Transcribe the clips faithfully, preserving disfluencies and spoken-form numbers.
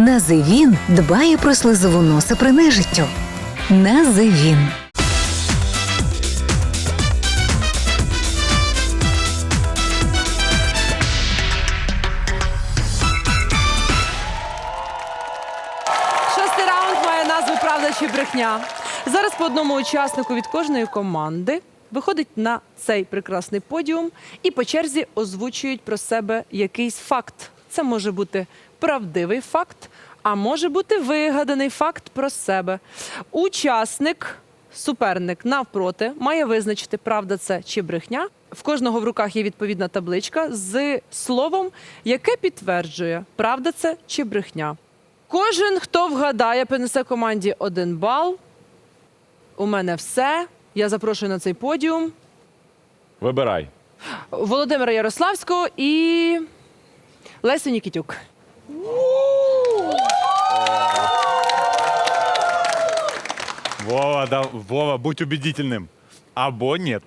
Називін дбає про слизову носа при нежиттю. Називін. Шостий раунд має назву «Правда чи брехня». Зараз по одному учаснику від кожної команди виходить на цей прекрасний подіум і по черзі озвучують про себе якийсь факт. Це може бути правдивий факт, а може бути вигаданий факт про себе. Учасник, суперник навпроти, має визначити, правда це чи брехня. В кожного в руках є відповідна табличка з словом, яке підтверджує, правда це чи брехня. Кожен, хто вгадає, принесе команді один бал. У мене все. Я запрошую на цей подіум Вибирай. Володимира Ярославського і Лесю Нікітюк. Вова, да, Вова, будь убедительним. Або нет.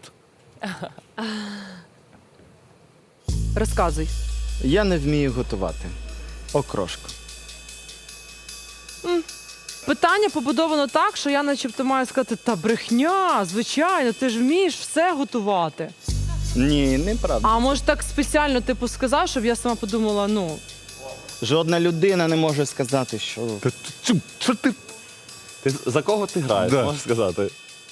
Розказуй. Я не вмію готувати. Окрошку. Питання побудовано так, що я начебто маю сказати, та брехня, звичайно, ти ж вмієш все готувати. Ні, неправда. А може так спеціально типу сказав, щоб я сама подумала, ну, Жодна людина не може сказати, що... Та ти- чу- Що ти? Ти за кого ти граєш, Да. можеш сказати?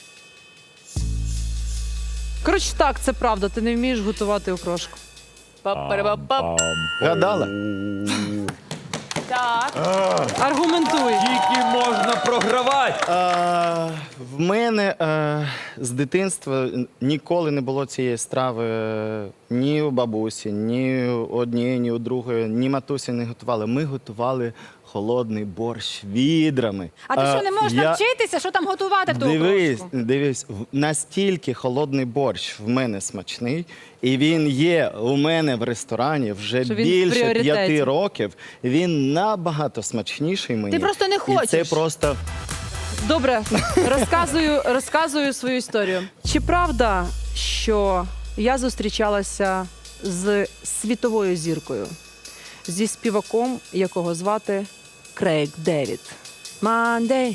коротше так, це правда, ти не вмієш готувати окрошку. Пам-парам-пам. Гадала? Так. Аргументуй. Тільки можна програвати. А, в мене а, з дитинства ніколи не було цієї страви е, ні у бабусі, ні у однієї, ні у другої, ні матусі не готували. Ми готували холодний борщ відрами. А ти що, не можеш я- навчитися, що там готувати в ту Дивись, окрошку? дивись, в- настільки холодний борщ в мене смачний, і він є у мене в ресторані вже Що він в більше пріоритеті. п'яти років. Він набагато смачніший мені. Ти просто не І це хочеш. просто Добре, розказую, розказую свою історію. Чи правда, що я зустрічалася з світовою зіркою, зі співаком, якого звати Крейг Девід? Monday,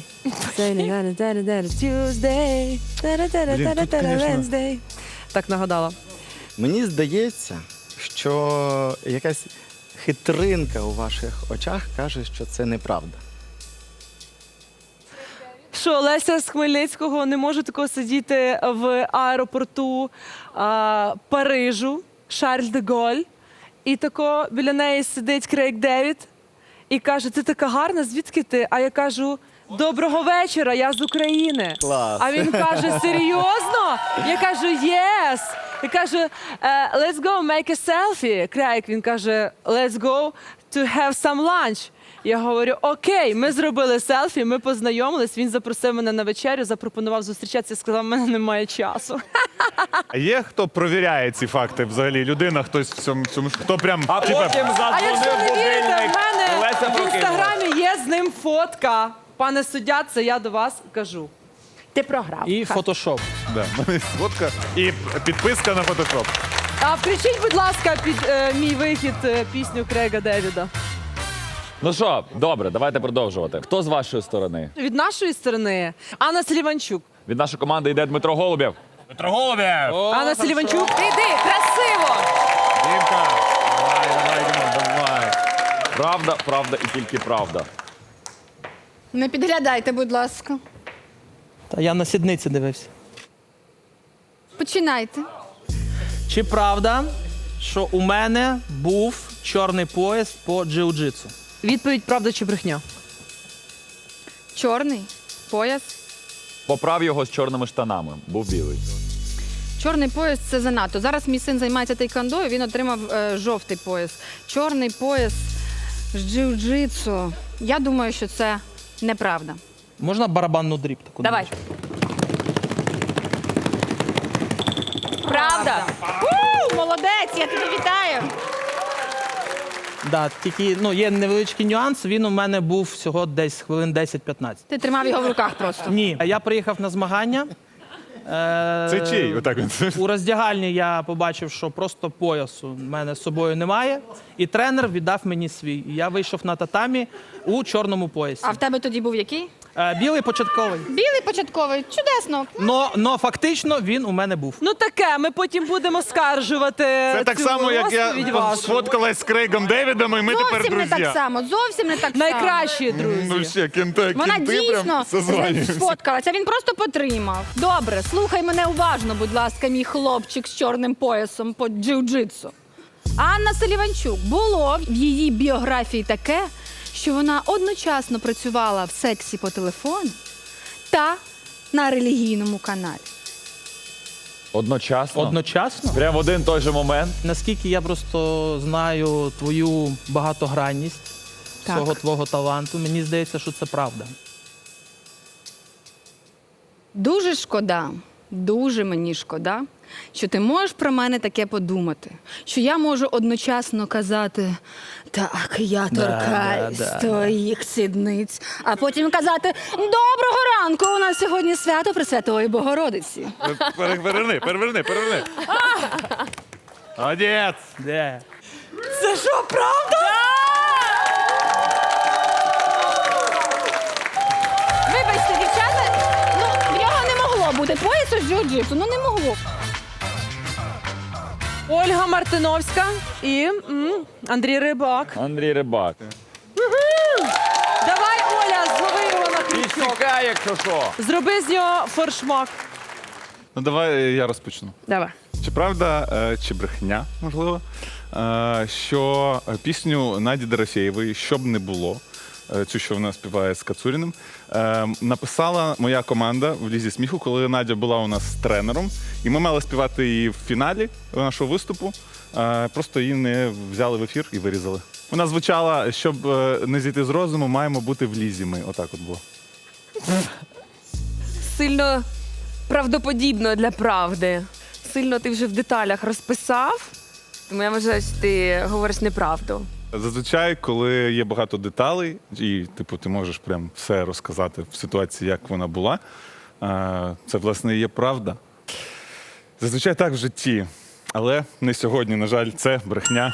Tuesday, Wednesday. Так нагадала. мені здається, що якась хитринка у ваших очах каже, що це неправда. Що Леся з Хмельницького не може такого сидіти в аеропорту а, Парижу, Шарль де Голь, і тако біля неї сидить Крейг Девід і каже, ти така гарна, звідки ти? А я кажу, доброго вечора, я з України. Клас. А він каже, серйозно? Я кажу, yes. Я кажу, «Е, let's go make a selfie. Крейг, він каже, let's go to have some lunch. Я говорю, окей, ми зробили селфі, ми познайомились, він запросив мене на вечерю, запропонував зустрічатися, сказав, в мене немає часу. А є хто провіряє ці факти взагалі? Людина, хтось в цьому, цьому хто прям А типа, потім А якщо задзвонив не вірите, в будильник. мене Леся в прокинулась. інстаграмі є з ним фотка. Пане суддя, це я до вас кажу. Ти програв. І фотошоп. да, в мене фотка і підписка на фотошоп. А включіть, будь ласка, під е, мій вихід е, пісню Крейга Девіда. Ну що, добре, давайте продовжувати. Хто з вашої сторони? Від нашої сторони Анна Селіванчук. Від нашої команди йде Дмитро Голубєв. Дмитро Голубєв! Анна Селіванчук. Іди, красиво! Дімка! Давай, давай, Діма, давай. Правда, правда і тільки правда. Не підглядайте, будь ласка. Та я на сідниці дивився. Починайте. Чи правда, що у мене був чорний пояс по джиу-джитсу? Відповідь правда чи брехня? Чорний пояс. Поправ його з чорними штанами. Був білий. Чорний пояс це занадто. Зараз мій син займається тейквондо, він отримав е, жовтий пояс. Чорний пояс з джиу-джитсу. Я думаю, що це неправда. Можна барабанну дріб таку? Давай. Правда. У, молодець, я тебе вітаю. Да, тільки ну, є невеличкий нюанс, він у мене був всього десь хвилин десять-п'ятнадцять. Ти тримав його в руках просто. Ні, я приїхав на змагання, Е, Це чий? Отак він. У роздягальні я побачив, що просто поясу в мене з собою немає, і тренер віддав мені свій. І я вийшов на татамі у чорному поясі. А в тебе тоді був який? Е, білий початковий. Білий початковий. Чудесно. Но, но фактично він у мене був. Ну таке, ми потім будемо скаржувати. Це так цю само, як я розповідь вашу. сфоткалась з Крейгом Девідом, і ми тепер Зовсім не друзі. так само. Зовсім не так само. Найкращі друзі. Ну ще, кінти, Вона кінти дійсно прям созванюються. сфоткалася, він просто потримав. Добре, слухай мене уважно, будь ласка, мій хлопчик з чорним поясом по джиу-джитсу. Анна Селіванчук. Було в її біографії таке, що вона одночасно працювала в сексі по телефону та на релігійному каналі. Одночасно? Одночасно. Прям в один той же момент. Наскільки я просто знаю твою багатогранність, Так. всього твого таланту, мені здається, що це правда. Дуже шкода, дуже мені шкода, що ти можеш про мене таке подумати, що я можу одночасно казати «Так, я торкаюсь да, да. твоїх сідниць», а потім казати «Доброго ранку, у нас сьогодні свято Пресвятої Богородиці». Пере- Переверни, переверни, переверни. Молодець. Де? Це що, правда? Вибачте, дівчата, ну, в нього не могло бути поясу з джиу-джитсу, ну не могло. Ольга Мартиновська і м, Андрій Рибак. Андрій Рибак. Давай, Оля, злови його на І крючок. чекай, якщо що. Зроби з нього форшмак. Ну давай я розпочну. Давай. Чи правда, е, чи брехня, можливо, е, що пісню Наді Дорофєєвої «Щоб не було», е, цю, що вона співає з Кацуріним, е, написала моя команда в Лізі сміху, коли Надя була у нас тренером, і ми мали співати її в фіналі нашого виступу. е, Просто її не взяли в ефір і вирізали. Вона звучала, щоб е, не зійти з розуму, маємо бути в Лізі ми. Отак от було. Сильно правдоподібно для правди. Сильно ти вже в деталях розписав, тому я вважаю, що ти говориш неправду. Зазвичай, коли є багато деталей, і типу, ти можеш прям все розказати в ситуації, як вона була, е, це, власне, і є правда. Зазвичай так в житті, але не сьогодні, на жаль, це брехня.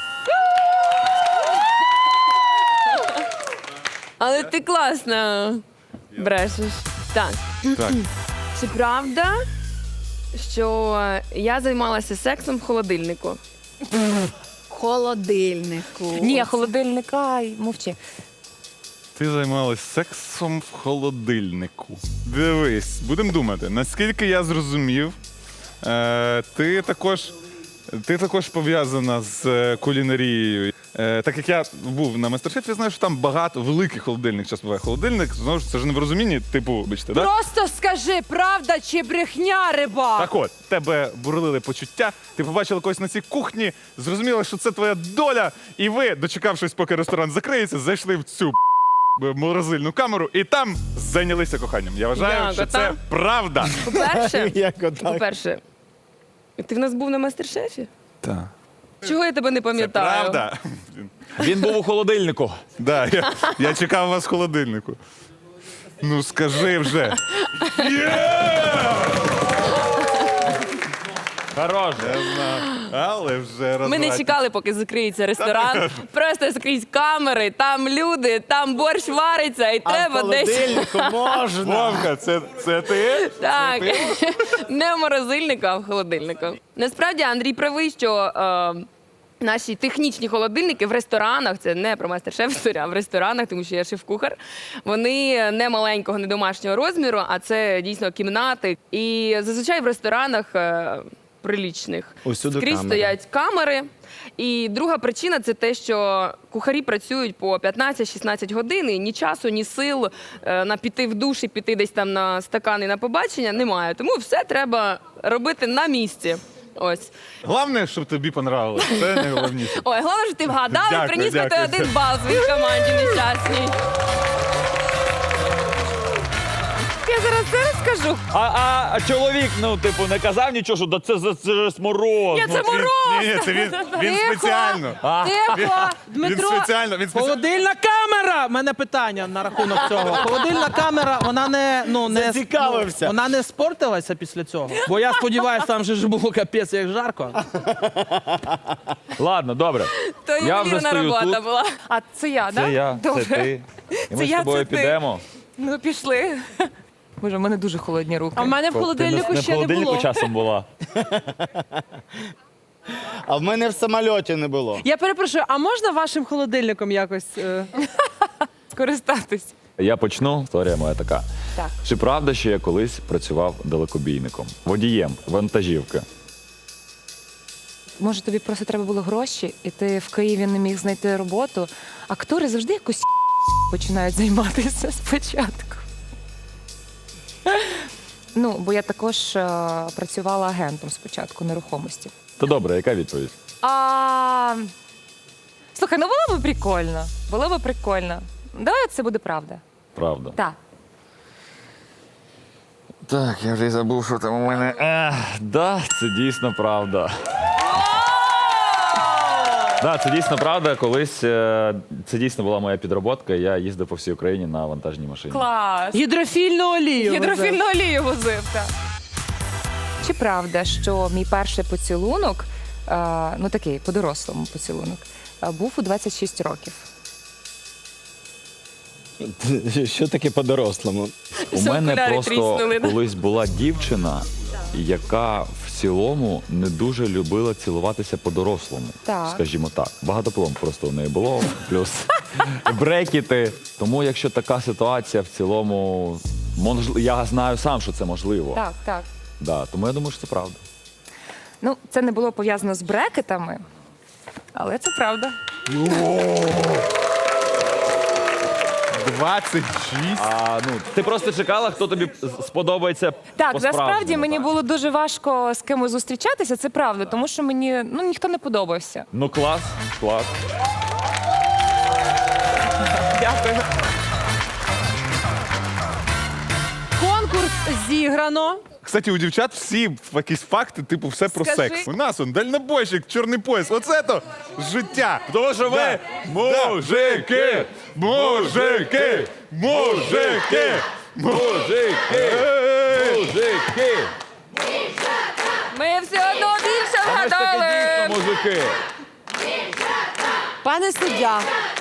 Але ти класно брешеш. Так. Так. Чи правда, що я займалася сексом в холодильнику? Холодильнику. Ні, холодильник, ай, мовчи. Ти займалась сексом в холодильнику. Дивись, будемо думати, наскільки я зрозумів, е, ти також, ти також пов'язана з е, кулінарією. Е, так як я був на мастер-шефі, я знаю, що там багато великий холодильник. Час буває холодильник. Знову ж це ж не в розумінні, типу, бачите, так? Просто скажи, правда чи брехня, Рибак? Так от, тебе бурлили почуття, ти побачила когось на цій кухні, зрозуміла, що це твоя доля, і ви, дочекавшись, поки ресторан закриється, зайшли в цю морозильну камеру і там зайнялися коханням. Я вважаю, Як що ота? це правда. По-перше, Як отак? по-перше, ти в нас був на мастер-шефі? Так. Чого я тебе не Це пам'ятаю? правда. Він був у холодильнику. Да, я, я чекав вас в холодильнику. Ну скажи вже. Хорош. Я знаю. Але вже Ми не розвратні. чекали, поки закриється ресторан. Просто скрізь камери, там люди, там борщ вариться, і А в треба десь. холодильнику можна. Вовка, це, це ти? Так, не в морозильнику, а в холодильнику. Насправді Андрій правий, що е, наші технічні холодильники в ресторанах, це не про майстер-шеф історія, а в ресторанах, тому що я шеф-кухар, вони не маленького, не домашнього розміру, а це дійсно кімнати. І зазвичай в ресторанах е, прилічних Усюди скрізь камери. стоять камери. І друга причина це те, що кухарі працюють по п'ятнадцять-шістнадцять годин, і ні часу, ні сил е, на піти в душ і піти десь там на стакани на побачення немає. Тому все треба робити на місці. Ось. Головне, щоб тобі понравилось. Це найголовніше. Ой, головне, що ти вгадав і Дякую, приніс мені дякую. один бал своїй команді нещасній. Я зараз це розкажу. кажу. А, а, а чоловік, ну, типу, не казав нічого, що да це, це, це ж мороз. Ні, ну, це мороз. Ні, це він, він Тихо. спеціально. Тихо, Він Дмитро. спеціально, він спеціально. Холодильна камера! У мене питання на рахунок цього. Холодильна камера, вона не, ну, не, Зацікавився. ну, вона не спортилася після цього. Бо я сподіваюся, там же ж було капець як жарко. Ладно, добре. То Я вже ювелірна стою робота тут. була. А це я, так? Це я, Добре. це ти. І ми Це з я, тобою це ти. підемо. Ну, пішли. Боже, в мене дуже холодні руки. А в мене в Ти не, холодильнику не в ще не холодильнику було. часом була. А в мене в самольоті не було. Я перепрошую, а можна вашим холодильником якось? е, Скористатись. Я почну. Історія моя така. Так. Чи правда, що я колись працював далекобійником, водієм вантажівки? Може, тобі просто треба було гроші, і ти в Києві не міг знайти роботу. Актори завжди якось починають займатися спочатку. Ну, бо я також е, працювала агентом спочатку нерухомості. То добре, яка відповідь? А... Слухай, ну було б прикольно. Було б прикольно. Давай це буде правда. Правда. Так. Так, я вже й забув, що там у мене. Ех, да, це дійсно правда. Да, це дійсно правда. Колись е, це дійсно була моя підроботка. Я їздив по всій Україні на вантажній машині. Клас. Гідрофільну олію. Гідрофільну олію возив, так. Чи правда, що мій перший поцілунок, е, ну такий по-дорослому поцілунок, е, був у двадцять шість років? Що таке по-дорослому? У Все, мене окуляри просто тріснули, да? колись була дівчина, яка в цілому не дуже любила цілуватися по-дорослому. Так. Скажімо так. Багато пломб просто у неї було, плюс брекети. Тому якщо така ситуація в цілому, мож- я знаю сам, що це можливо. Так, так. Да, тому я думаю, що це правда. Ну, це не було пов'язано з брекетами, але це правда. двадцять шість. А, ну, ти просто чекала, хто тобі з- сподобається Так, по-справжньому, насправді мені так? було дуже важко з кимось зустрічатися, це правда, тому що мені ну, ніхто не подобався. Ну клас, клас. Дякую. Конкурс зіграно. Кстати, у дівчат всі якісь факти, типу, все про Скажи. секс. У нас он дальнобойщик, чорний пояс. Оце то життя. Тому що ви Да. мужики, мужики, мужики, мужики, мужики. Ми все одно більше А ми ж таки вгадали. дійсно мужики. Пане суддя,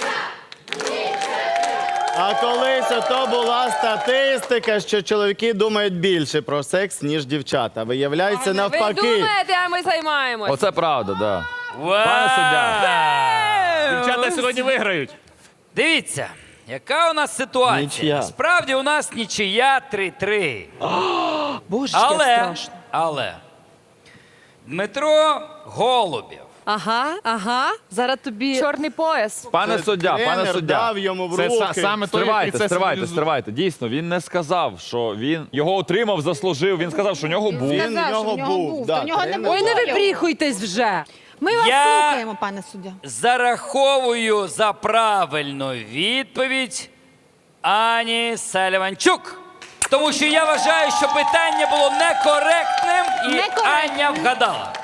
А колись ото була статистика, що чоловіки думають більше про секс, ніж дівчата. Виявляється, Ви навпаки. думаєте, а ми займаємось. Оце правда, да. Пане суддя. Дівчата сьогодні виграють. Дивіться, яка у нас ситуація. Нічия. Справді у нас нічия три-три. боже, як Але, страшно. але Дмитро Голубєв. Ага, ага. Зараз тобі. Чорний пояс. Пане суддя, пане Тренер суддя. дав йому в Це руки. са- саме той, який Стривайте, це стривайте, символізує. стривайте. Дійсно, він не сказав, що він його отримав, заслужив. Він сказав, що у нього був. Він в нього був. Да, тренер. Ой, не вибріхуйтесь вже. Ми вас Я- слухаємо, пане суддя. Зараховую за правильну відповідь Ані Саліванчук. Тому що я вважаю, що питання було некоректним і Некоректним. Аня вгадала.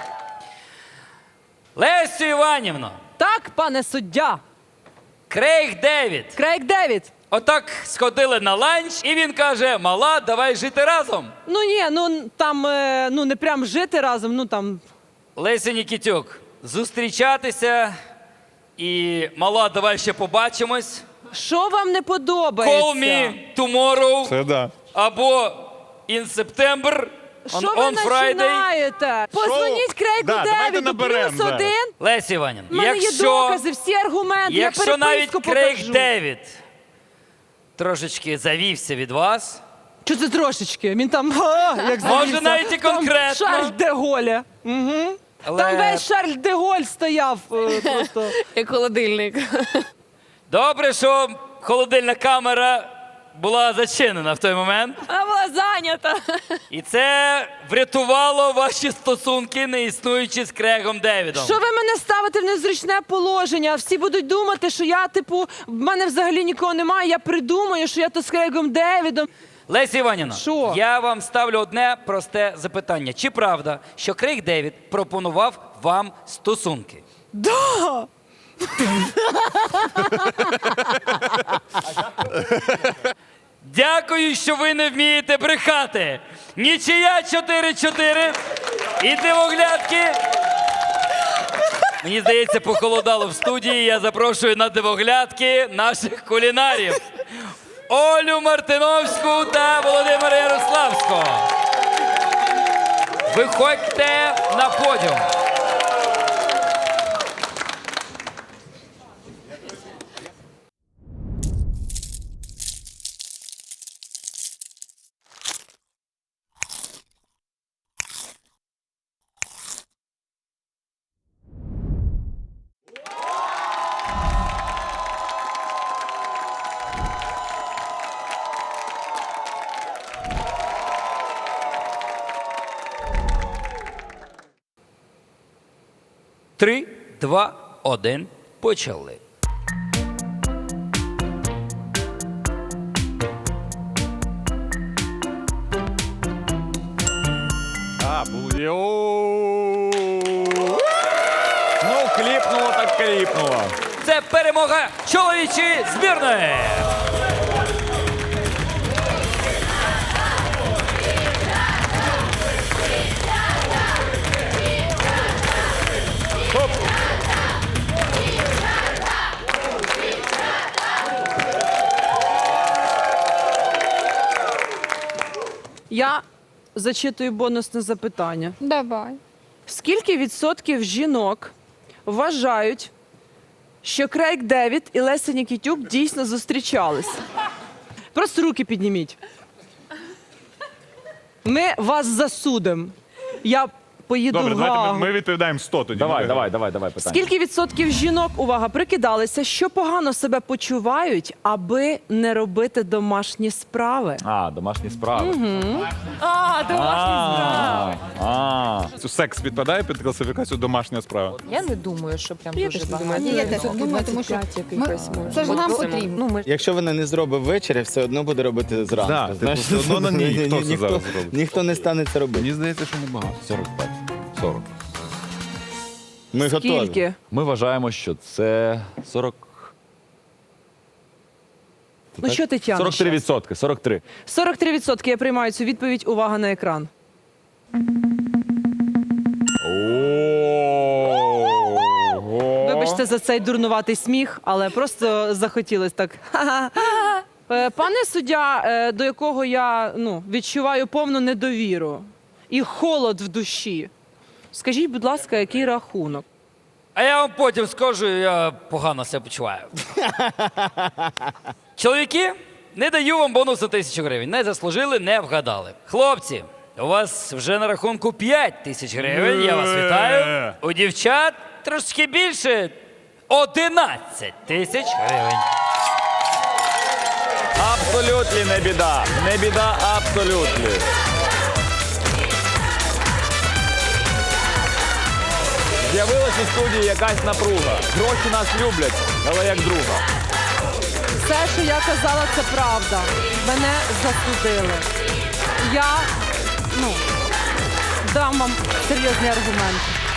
Лесю Іванівно, Так, пане суддя. Крейг Девід. Крейг Девід. Отак сходили на ланч, і він каже: мала, давай жити разом. Ну ні, ну там е, ну не прям жити разом, ну там. Леся Нікітюк, зустрічатися і мала, давай ще побачимось. Що вам не подобається? Call me tomorrow Це да. або in September on, Що ви on Friday. починаєте? Позвоніть Крейгу Да, давайте Девіду, наберем плюс зараз. один. Леся Іванівна, У мене є якщо, докази, всі аргументи, якщо я навіть переписку Крейг покажу. Девід трошечки завівся від вас, Що це трошечки? Він там, а, як Може, завівся. навіть і Там конкретно. Шарль де Голля. Угу. але Там весь Шарль де Голь стояв е, просто. Як холодильник. добре, що холодильна камера була зачинена в той момент. Вона була зайнята. І це врятувало ваші стосунки, не існуючи з Крегом Девідом. Що ви мене ставите в незручне положення? Всі будуть думати, що я, типу, в мене взагалі нікого немає, я придумаю, що я то з Крейгом Девідом. Леся Іванівна, Що? я вам ставлю одне просте запитання. Чи правда, що Крейг Девід пропонував вам стосунки? Да! Дякую, що ви не вмієте брехати. Нічия чотири-чотири. І дивоглядки. Мені здається, похолодало в студії. Я запрошую на дивоглядки наших кулінарів. Олю Мартиновську та Володимира Ярославського. Виходьте на подіум. Три, два, один. Почали. А, був йоу. Ну, кліпнуло так кліпнуло. Це перемога чоловічої збірної. Хоп. Я зачитую бонусне запитання. Давай. Скільки відсотків жінок вважають, що Крейг Девід і Леся Нікітюк дійсно зустрічались? Просто руки підніміть. Ми вас засудимо. Я поїду Добре, в давайте Гаагу. ми, ми відповідаємо сто тоді. Давай, Ми давай, давай, давай питання. Скільки відсотків жінок, увага, прикидалися, що погано себе почувають, аби не робити домашні справи? А, домашні справи. А, домашні справи. А, а. Це Секс підпадає під класифікацію домашня справа. Я не думаю, що прям Я дуже теж не багато. думаю. Ні, я теж думаю, тому що ми- це ж нам потрібно. Ну, ми Якщо вона не зробить ввечері, все одно буде робити зранку. Да, типу, Знаєш, все одно на ній. Хто це ніхто, зараз зробить? ніхто не стане це робити. Мені здається, що небагато. сорок п'ять. сорок. Ми готові. Скільки? Ми вважаємо, що це сорок. Ну що ти тягнеш? сорок три відсотки. сорок три. сорок три відсотки я приймаю цю відповідь. Увага на екран. Ого. Вибачте за цей дурнуватий сміх, але просто захотілось так. Ха-ха. Е, Пане суддя, е, до якого я ну, відчуваю повну недовіру і холод в душі. Скажіть, будь ласка, який рахунок? А я вам потім скажу, я погано себе почуваю. Чоловіки, не даю вам бонусу тисячу гривень. Не заслужили, не вгадали. Хлопці, у вас вже на рахунку п'ять тисяч гривень. Я вас вітаю. У дівчат трошки більше одинадцять тисяч гривень. Абсолютно не біда. Не біда абсолютно. З'явилась у студії якась напруга. Гроші нас люблять, але як друга. Все, що я казала, це правда. Мене засудили. Я ну, дам вам серйозні аргументи.